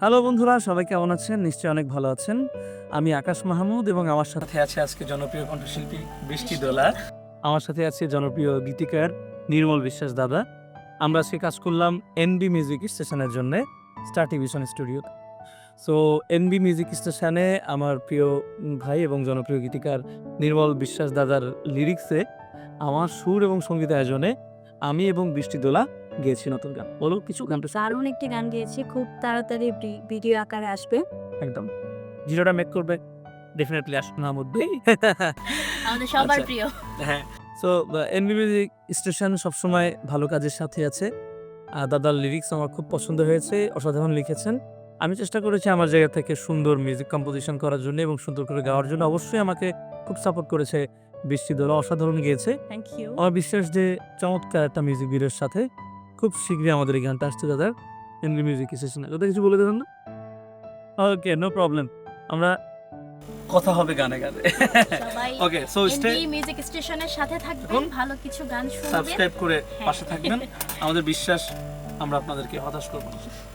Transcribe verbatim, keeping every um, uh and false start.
Hello বন্ধুরা, সবাই কেমন আছেন? নিশ্চয়ই অনেক ভালো আছেন। আমি আকাশ মাহমুদ এবং আমার সাথে আছে আজকে জনপ্রিয় কণ্ঠশিল্পী বৃষ্টি দোলা। আমার সাথে আছে জনপ্রিয় গীতিকার নির্মল বিশ্বাস দাদা। আমরা আজকে কাজ করলাম এনবি মিউজিক স্টেশনের জন্যে, star television studio. So NB music স্টেশনে আমার প্রিয় উম ভাই এবং জনপ্রিয় গীতিকার নির্মল বিশ্বাস দাদার লিরিক্সে আমার সুর এবং সঙ্গীত আয়োজনে আমি এবং বৃষ্টি দোলা গেয়েছি নতুন গান। বলো কিছু গানটা শুনতে। দারুণ একটি গান গেয়েছি। খুব তাড়াতাড়ি ভি ভিডিও আকারে আসবে। একদম। ভিডিওটা মেক করবে ডেফিনিটলি আসনার মধ্যেই। আমাদের সবার আচ্ছা। প্রিয়। হ্যাঁ। সো এনবি মিউজিক স্টেশন সবসময় ভালো কাজের সাথে আছে। আ দাদার লিরিক্স আমার খুব পছন্দ হয়েছে। অসাধারণ লিখেছেন। আমি চেষ্টা করেছি আমার জায়গা থেকে সুন্দর মিউজিক কম্পোজিশন করার জন্য এবং সুন্দর করে গাওয়ার জন্য। অবশ্যই আমাকে খুব সাপোর্ট করেছে বৃষ্টি দোলা, অসাধারণ গেয়েছে। Thank you. আমার বিশ্বাস যে চমৎকার একটা মিউজিক ভিডিওর সাথে খুব শীঘ্রই আমাদের এই গানটা আসছে দাদার এনবি মিউজিক স্টেশনে। ওটা কিছু বলে দেবেন না? Okay, no problem. আমরা কথা হবে গানে, গানে। সবাই okay, so stay NB music স্টেশনের সাথে থাকবেন। থাকুন। ভালো কিছু গান শুনবেন। সাবস্ক্রাইব করে হ্যাঁ। পাশে থাকবেন। আমাদের বিশ্বাস আমরা আপনাদেরকে হতাশ করব না।